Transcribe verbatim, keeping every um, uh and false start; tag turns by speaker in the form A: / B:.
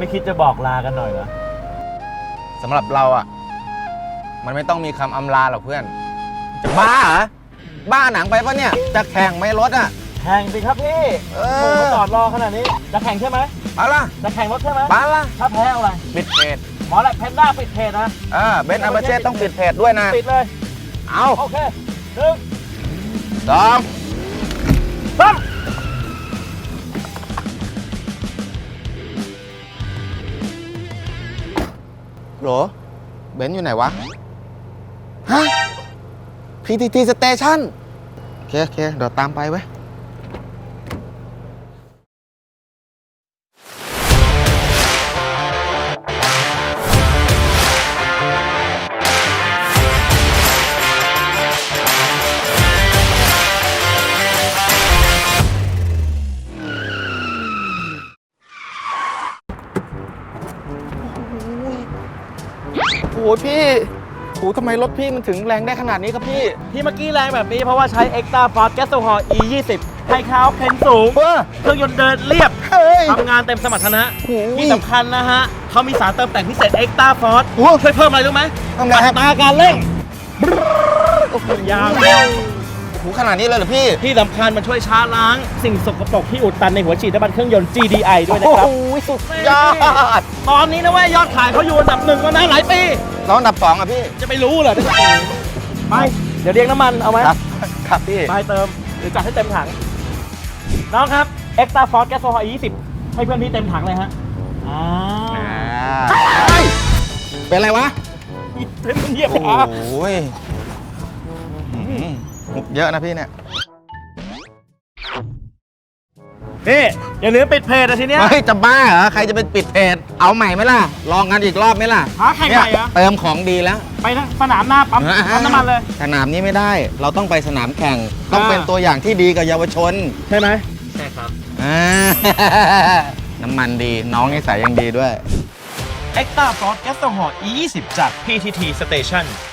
A: ไม่คิดจะบอกลากันหน่อยเหรอ
B: สำหรับเราอ่ะมันไม่ต้องมีคำอำลาหรอกเพื่อนจะบ้าเหรอบ้าหนังไปปะเนี่ยจะแข่งไหมรถอ่ะ
A: แข่งสิครับพี่โอ้โหจอดรอขนาดนี้จะแข่งใช่ไหม
B: ไปละ
A: จะแข่งรถใช่ไหม
B: ไปละ
A: ถ้าแพ้เอาอะไร
B: ปิดเพจ
A: หมอแหละเพนด้าปิดเพจนะ
B: เออเบนซ์อาร์เบเช่ต้องปิดเพจด้วยนะ
A: ปิดเลย
B: เอา
A: โอเคหนึ่ง
B: สอง
A: สาม
B: โหรเบนซ์อยู่ไหนวะฮะ พี ที ที Station โอเคโอเคเดี๋ยวตามไปเว้ยโอ้โหพี่โอ้ทำไมรถพี่มันถึงแรงได้ขนาดนี้ครับพี่
A: ที่เมื่อกี้แรงแบบนี้เพราะว่าใช้ Extra Force Gasohol อี ยี่สิบ ให้เขาเพนสูงเครื่องยนต์เดินเรียบทำงานเต็มสมรรถนะที่สำคัญนะฮะเขามีสารเติมแต่งพิเศษ Extra Force ช่วยเพิ่มอะไรรู้ไหมอัตราการเร่งยาว
B: โอ้ขนาดนี้เลยเหรอพี่
A: ที่สำคัญมันช่วยช้าล้างสิ่งสกปรกที่อุดตันในหัวฉีดน้ำมันเครื่องยนต์ จี ดี ไอ ด้วยนะครับ
B: โอ้ยสุดยอด
A: ตอนนี้นะเว้ยยอดขายเขาอยู่อันดับหนึ่งแล้วนะหลายปี
B: แล้วอันดับสองอ่ะพี่
A: จะไปรู้เหรอไปเดี๋ยวเรียงน้ำมันเอาไหม
B: ครับครับพี่
A: ไปเติมหรือจัดให้เต็มถังน้องครับ Extra Force Gasohol อี ยี่สิบ ให้เพื่อนพี่เต็มถังเลยฮะอ่า
B: เป็นไรวะ
A: เป็นเงียบเลย
B: อ่ะโอ้ยเยอะนะพี่เนี่ย
A: พี่อย่าลืมปิดเพจนะทีเนี้ย
B: เฮ้ยจะบ้าเหรอใครจะเป็นปิดเพจเอาใหม่ไหมล่ะลองกันอีกรอบไหมล่ะ
A: หาแข่งใหม่เหรอ
B: เติมของดีแล้ว
A: ไปนะสนามหน้าปั๊มปั๊มน้ำมันเลย
B: สนามนี้ไม่ได้เราต้องไปสนามแข่งต้องเป็นตัวอย่างที่ดีกับเยาวชน
A: ใช่ไหมใช่ครับ
B: น้ำมันดีน้องนิสัยยังดีด้วย
A: Extra Force Gasohol อี ยี่สิบ จาก พี ที ที Station